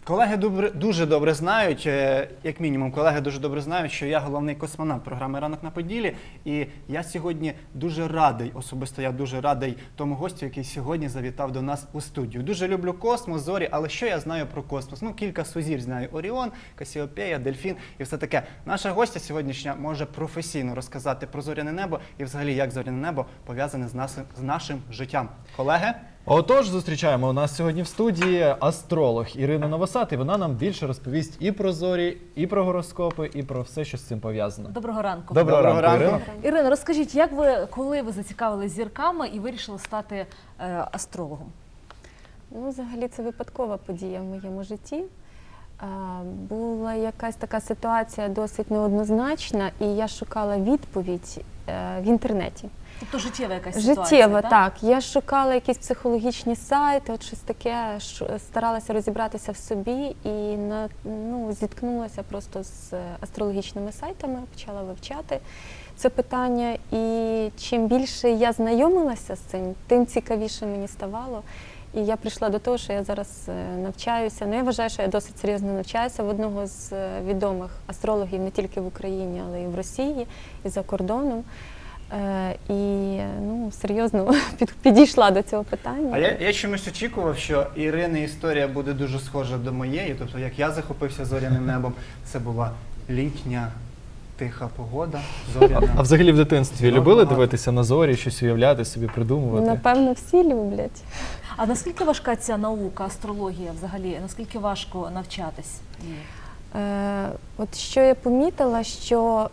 Колеги дуже добре знають, як мінімум, колеги дуже добре знають, що я головний космонавт програми «Ранок на Поділлі». І я сьогодні дуже радий, особисто я дуже радий тому гостю, який сьогодні завітав до нас у студію. Дуже люблю космос, зорі, але що я знаю про космос? Ну, кілька сузір'я знаю: Оріон, Касіопея, Дельфін і все таке. Наша гостя сьогоднішня може професійно розказати про зоряне небо і взагалі, як зоряне небо пов'язане з нашим життям. Колеги? Отож, зустрічаємо у нас сьогодні в студії астролог Ірина Новосад, і вона нам більше розповість і про зорі, і про гороскопи, і про все, що з цим пов'язано. Доброго ранку. Доброго ранку, Ірина. Ірина, розкажіть, коли ви зацікавились зірками і вирішили стати астрологом? Ну, взагалі, це випадкова подія в моєму житті. Була якась така ситуація досить неоднозначна, і я шукала відповідь в інтернеті. Тобто життєва якась ситуація, життєва, так. Я шукала якісь психологічні сайти, от щось таке, старалася розібратися в собі і зіткнулася просто з астрологічними сайтами, почала вивчати це питання. І чим більше я знайомилася з цим, тим цікавіше мені ставало. І я прийшла до того, що я зараз навчаюся. Ну, я вважаю, що я досить серйозно навчаюся в одного з відомих астрологів не тільки в Україні, але й в Росії, і за кордоном. І серйозно підійшла до цього питання. А я чомусь очікував, що Ірини історія буде дуже схожа до моєї. Тобто, як я захопився зоряним небом, це була літня тиха погода, зоряна. А взагалі в дитинстві любили дивитися на зорі, щось уявляти, собі придумувати? Напевно, всі люблять. А наскільки важка ця наука, астрологія взагалі? Наскільки важко навчатись? От що я помітила, що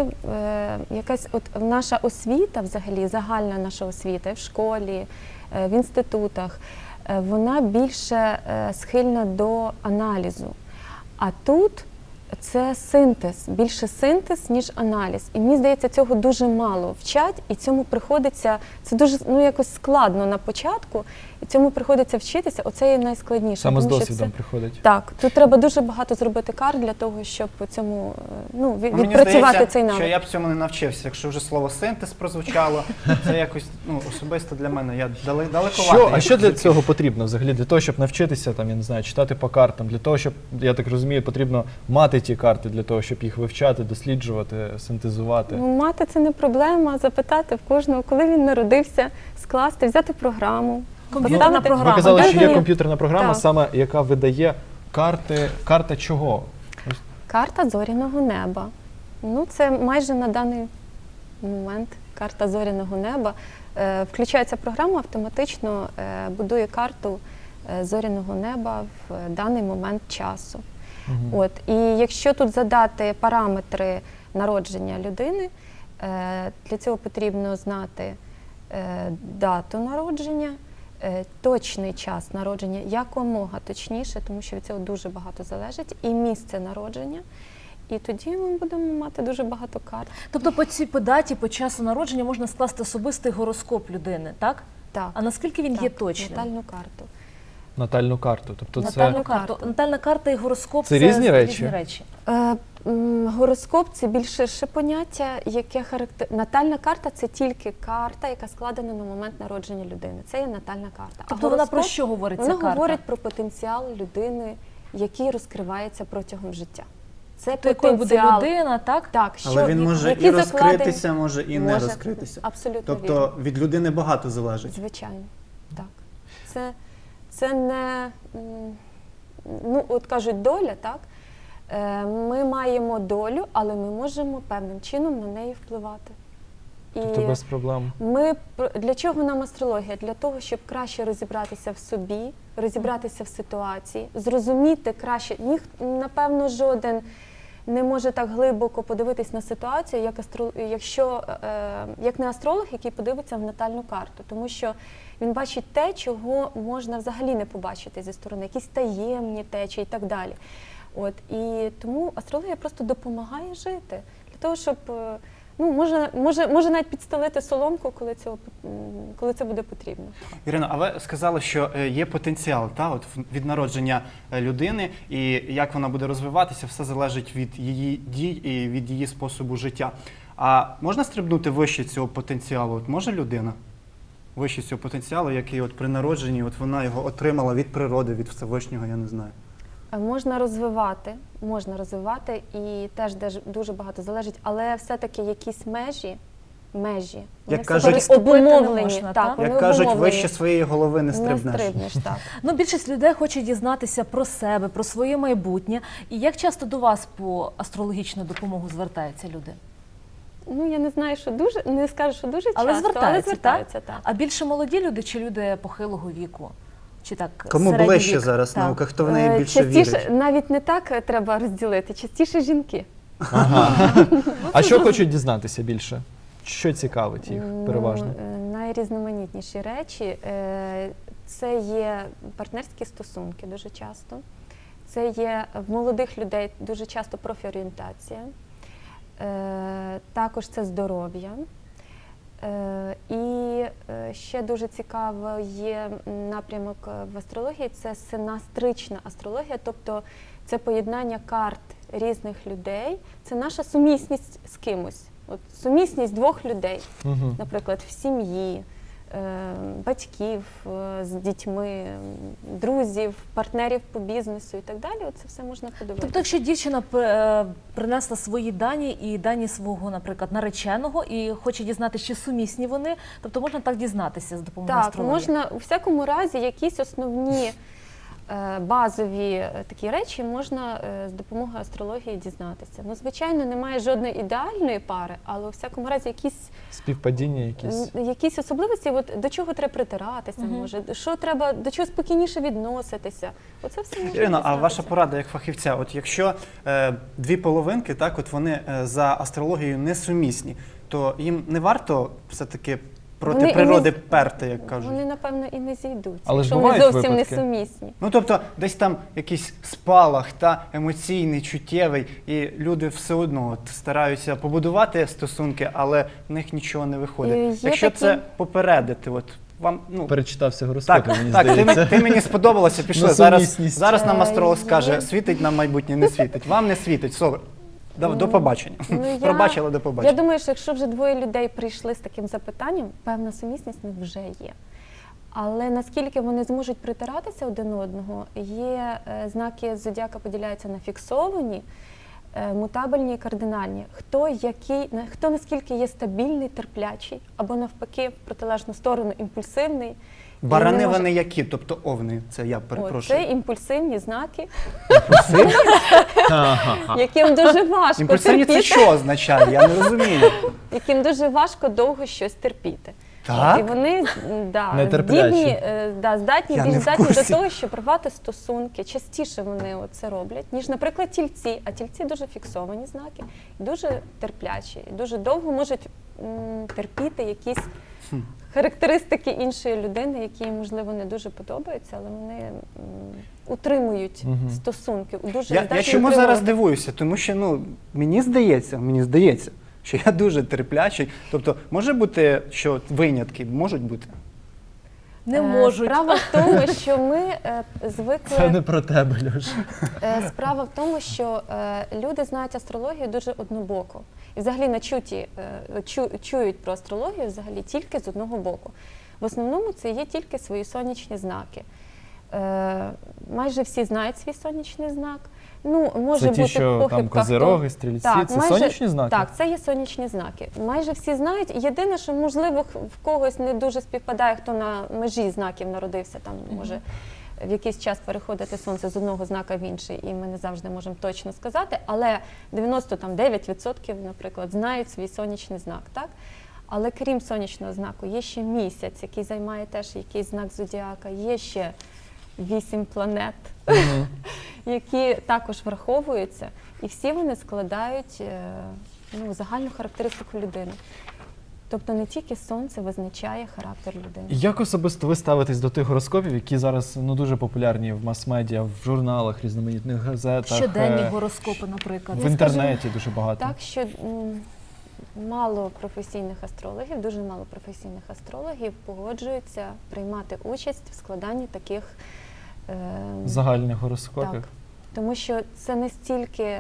наша освіта, взагалі, загальна наша освіта в школі, в інститутах, вона більше схильна до аналізу. А тут це синтез, більше синтез, ніж аналіз. І мені здається, цього дуже мало вчать, і цьому приходиться, це дуже якось складно на початку, і цьому приходиться вчитися, оце є найскладніше. Саме з досвідом приходить. Так, тут треба дуже багато зробити карт для того, щоб цьому, відпрацювати цей навик. Що я б цьому не навчився, якщо вже слово синтез прозвучало, це якось, особисто для мене, я далековато. А що для цього потрібно взагалі? Для того, щоб навчитися, я не знаю, читати по картам, для того, щоб, я так розумію, потрібно мати ті карти, для того, щоб їх вивчати, досліджувати, синтезувати? Мати це не проблема, запитати в кожного, коли він народився, скласти, взяти програму. Комп'ютерна програма. Ви казали, що є комп'ютерна програма, саме яка видає карти. Карта чого? Карта зоряного неба. Це майже на даний момент карта зоряного неба. Включається програма, автоматично будує карту зоряного неба в даний момент часу. І якщо тут задати параметри народження людини, для цього потрібно знати дату народження, точний час народження, якомога точніше, тому що від цього дуже багато залежить, і місце народження. І тоді ми будемо мати дуже багато карт. Тобто по даті, по часу народження можна скласти особистий гороскоп людини, так? Так. А наскільки він є точним? Натальну карту. Натальну карту. Тобто Натальна карта і гороскоп – це різні речі? Гороскоп – це більше поняття, яке натальна карта – це тільки карта, яка складена на момент народження людини. Це є натальна карта. Тобто вона про що говорить ця карта? Вона говорить про потенціал людини, який розкривається протягом життя. Це якою буде людина, так? Так. Але він може і розкритися, може і не розкритися. Абсолютно вірно. Тобто від людини багато залежить. Звичайно, так. Це не, от кажуть, доля, так? Ми маємо долю, але ми можемо певним чином на неї впливати. Тобто без проблем. Для чого нам астрологія? Для того, щоб краще розібратися в собі, розібратися в ситуації, зрозуміти краще. Напевно, жоден не може так глибоко подивитись на ситуацію, як не астролог, який подивиться в натальну карту. Тому що він бачить те, чого можна взагалі не побачити зі сторони, якісь таємні течії і так далі. І тому астрологія просто допомагає жити. Для того, щоб, може навіть підстелити соломку, коли це буде потрібно. Ірино, а ви сказали, що є потенціал від народження людини, і як вона буде розвиватися, все залежить від її дій і від її способу життя. А можна стрибнути вище цього потенціалу? Може людина вище цього потенціалу, який при народженні вона його отримала від природи, від Всевишнього, я не знаю? Можна розвивати і теж дуже багато залежить, але все-таки якісь межі, вони Як все кажуть, таки обумовлені. не можна, так? вони Як кажуть, обумовлені. вище своєї голови не Не стрибнеш. стрибнеш, так. Ну, більшість людей хоче дізнатися про себе, про своє майбутнє. І як часто до вас по астрологічну допомогу звертаються люди? Ну, я не знаю, що дуже, не скажу, що дуже Але часто, звертаються, так. А більше молоді люди чи люди похилого віку? Чи так Кому середній ближче вік? зараз Так. наука, хто в неї більше Частіше, вірить? навіть не так треба розділити, частіше жінки. А що хочуть дізнатися більше? Що цікавить їх переважно? Найрізноманітніші речі це є партнерські стосунки дуже часто. Це є в молодих людей дуже часто профорієнтація. Також це здоров'я. І ще дуже цікаво є напрямок в астрології, це синастрична астрологія, тобто це поєднання карт різних людей, це наша сумісність з кимось. От сумісність двох людей, Мгм. наприклад, в сім'ї, батьків з дітьми, друзів, партнерів по бізнесу і так далі. Це все можна подивитися. Тобто, якщо дівчина принесла свої дані і дані свого, наприклад, нареченого, і хоче дізнатися, чи сумісні вони, тобто можна так дізнатися з допомогою Так, астрології? можна у всякому разі якісь основні базові такі речі можна з допомогою астрології дізнатися. Ну, звичайно, немає жодної ідеальної пари, але у всякому разі Співпадіння якісь? якісь особливості, от, до чого треба притиратися, може, що треба, до чого спокійніше відноситися. Оце все можна Ірино, а дізнатися. ваша порада як фахівця, от якщо дві половинки, так, от вони за астрологією несумісні, то їм не варто все-таки проти Вони і природи не- перти, як кажуть? Вони, напевно, і не зійдуться, Але ж якщо вони бувають зовсім випадки. несумісні. Ну, тобто, десь там якийсь спалах та емоційний, чуттєвий, і люди все одно от, стараються побудувати стосунки, але в них нічого не виходить. Є Якщо такі- це попередити, от вам, ну, Перечитався гороскоп, так, мені так, здається. ти мені сподобалося, пішли. На Зараз, сумісність. зараз нам астролог Є. скаже, світить нам майбутнє, не світить. Вам не світить. Все, до побачення. Ну, Пробачила, до Я побачення. думаю, що якщо вже двоє людей прийшли з таким запитанням, певна сумісність в них вже є. Але наскільки вони зможуть притиратися один одного, є знаки зодіака поділяються на фіксовані, мутабельні і кардинальні. Хто наскільки є стабільний, терплячий, або навпаки, в протилежну сторону імпульсивний. і Барани не може- вони які? Тобто овни, це я О, перепрошую. це імпульсивні знаки, Імпульсивні? яким дуже важко Імпульсивні це терпіти, що означає? Я не розумію. яким дуже важко довго щось терпіти. Так? І вони Нетерплячі. здатні, Я більш не в здатні до курсі. того, щоб рвати стосунки. Частіше вони це роблять, ніж, наприклад, тільці. А тільці дуже фіксовані знаки, дуже терплячі, і дуже довго можуть терпіти якісь характеристики іншої людини, які їм, можливо, не дуже подобаються, але вони утримують стосунки. Дуже Я здатні чому утримувати. зараз дивуюся? Тому що мені здається, що я дуже терплячий. Тобто, може бути, що винятки можуть бути? Не можуть. Справа в тому, що ми звикли... Це не про тебе, Льош. Справа в тому, що люди знають астрологію дуже однобоко. І взагалі начуті, чують про астрологію взагалі тільки з одного боку. В основному це є тільки свої сонячні знаки. Майже всі знають свій сонячний знак. Ну, може Це ті, бути що похибка, там козироги, стрільці, це сонячні знаки? Так, це є сонячні знаки. Майже всі знають. Єдине, що, можливо, в когось не дуже співпадає, хто на межі знаків народився, там може в якийсь час переходити сонце з одного знака в інший, і ми не завжди можемо точно сказати, але 99%, наприклад, знають свій сонячний знак, так? Але крім сонячного знаку, є ще місяць, який займає теж якийсь знак зодіака, є ще 8 планет, які також враховуються, і всі вони складають загальну характеристику людини. Тобто не тільки сонце визначає характер людини. Як особисто ви ставитесь до тих гороскопів, які зараз дуже популярні в мас-медіа, в журналах, різноманітних газетах, Щоденні гороскопи, наприклад. в інтернеті дуже багато? Так, що мало професійних астрологів, дуже мало професійних астрологів погоджуються приймати участь в складанні таких Загальних гороскопів? Так, тому що це не стільки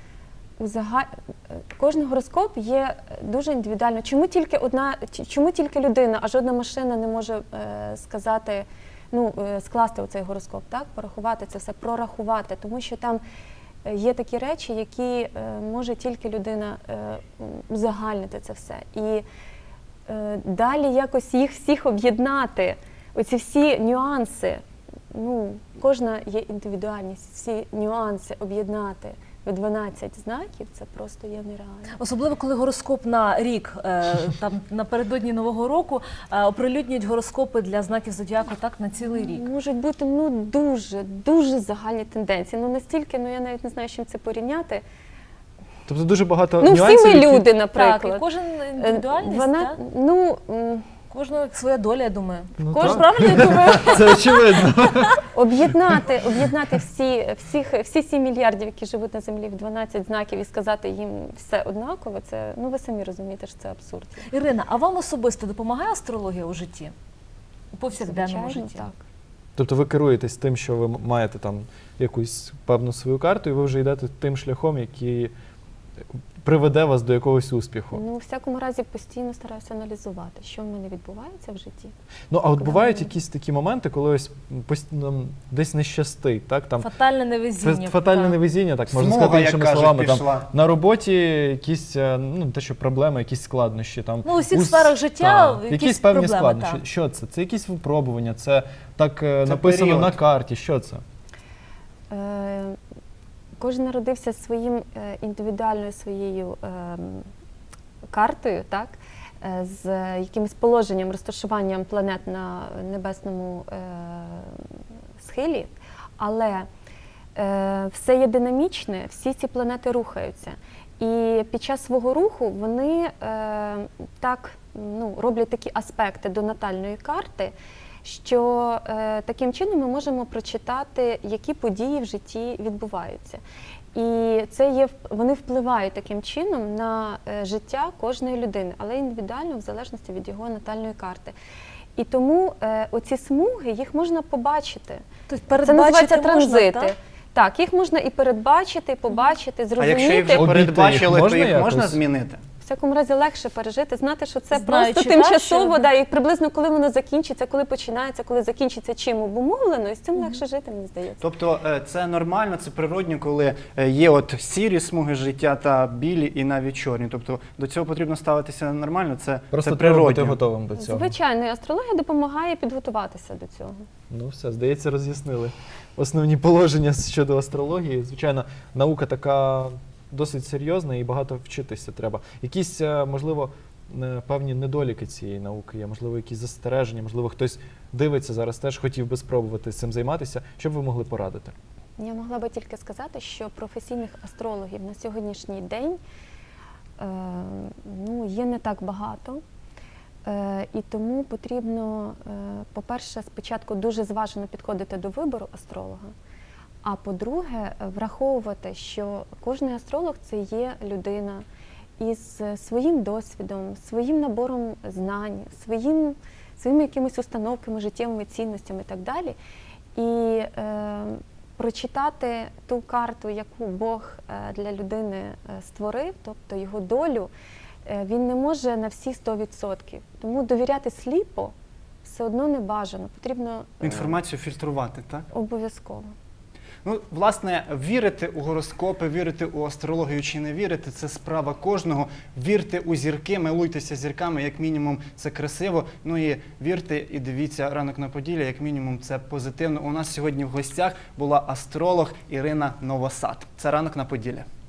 кожен гороскоп є дуже індивідуально. Чому тільки людина, а жодна машина не може сказати скласти оцей гороскоп, так, порахувати це все, прорахувати, тому що там є такі речі, які може тільки людина узагальнити це все. І далі якось їх всіх об'єднати, оці всі нюанси, кожна є індивідуальність, всі нюанси об'єднати в 12 знаків, це просто є нереально. Особливо, коли гороскоп на рік, там напередодні Нового року, оприлюднюють гороскопи для знаків зодіаку так на цілий рік. Можуть бути дуже загальні тенденції. Настільки, я навіть не знаю, з чим це порівняти. Тобто дуже багато Всі нюансів, ми які- люди, Так, і наприклад. кожен індивідуальність, Вона, так? Кожного своя доля, я думаю. Ну, Кожен, так. правильно я думаю? Це очевидно. об'єднати всі 7 мільярдів, які живуть на землі, в 12 знаків і сказати їм все однаково, це, ви самі розумієте, що це абсурд. Ірина, а вам особисто допомагає астрологія у житті? У повсякденному Звичайно, житті? так. Тобто ви керуєтесь тим, що ви маєте там якусь певну свою карту, і ви вже йдете тим шляхом, який приведе вас до якогось успіху. У всякому разі, постійно стараюся аналізувати, що в мене відбувається в житті. Ну, а от Куди бувають ми? якісь такі моменти, коли ось нам десь не щастить, так? Там Фатальне невезіння. фатальне так. невезіння, так можна Смуга, сказати як іншими кажуть, словами. Там, пішла. на роботі якісь те, що проблеми, якісь складнощі. Там, У всіх сферах життя так, якісь певні проблеми, складнощі. так. Що це? Це якісь випробування, це так написано період. на карті. Що це? Кожен народився своїм індивідуальною своєю картою, так? З якимось положенням, розташуванням планет на небесному схилі, але все є динамічне, всі ці планети рухаються. І під час свого руху вони роблять такі аспекти до натальної карти, що таким чином ми можемо прочитати, які події в житті відбуваються. І вони впливають таким чином на життя кожної людини, але індивідуально в залежності від його натальної карти. І тому оці смуги, їх можна побачити. Тобто Це передбачити називається можна, транзити. так? Так, їх можна і передбачити, і побачити, А зрозуміти. якщо їх вже Обійти передбачили, їх то їх можна можна якось? змінити? В всякому разі легше пережити, знати, що це Знаючи, просто так, тимчасово, що- і приблизно коли воно закінчиться, коли починається, коли закінчиться, чим обумовлено, і з цим легше жити, мені здається. Тобто це нормально, це природньо, коли є от сірі смуги життя та білі і навіть чорні. Тобто до цього потрібно ставитися нормально, це Просто треба бути природньо. готовим до цього. Звичайно, і астрологія допомагає підготуватися до цього. Ну все, здається, роз'яснили основні положення щодо астрології. Звичайно, наука така досить серйозна і багато вчитися треба. Якісь, можливо, певні недоліки цієї науки є, можливо, якісь застереження, можливо, хтось дивиться зараз теж, хотів би спробувати цим займатися. Що б ви могли порадити? Я могла би тільки сказати, що професійних астрологів на сьогоднішній день є не так багато. І тому потрібно, по-перше, спочатку дуже зважено підходити до вибору астролога, а по-друге, враховувати, що кожен астролог – це є людина із своїм досвідом, своїм набором знань, своїми якимись установками, життєвими цінностями і так далі. І прочитати ту карту, яку Бог для людини створив, тобто його долю, він не може на всі 100%. Тому довіряти сліпо все одно не бажано. Потрібно Інформацію фільтрувати, так? обов'язково. Ну, власне, вірити у гороскопи, вірити у астрологію чи не вірити – це справа кожного. Вірте у зірки, милуйтеся зірками, як мінімум це красиво. Ну і вірте і дивіться «Ранок на Поділлі», як мінімум це позитивно. У нас сьогодні в гостях була астролог Ірина Новосад. Це «Ранок на Поділлі».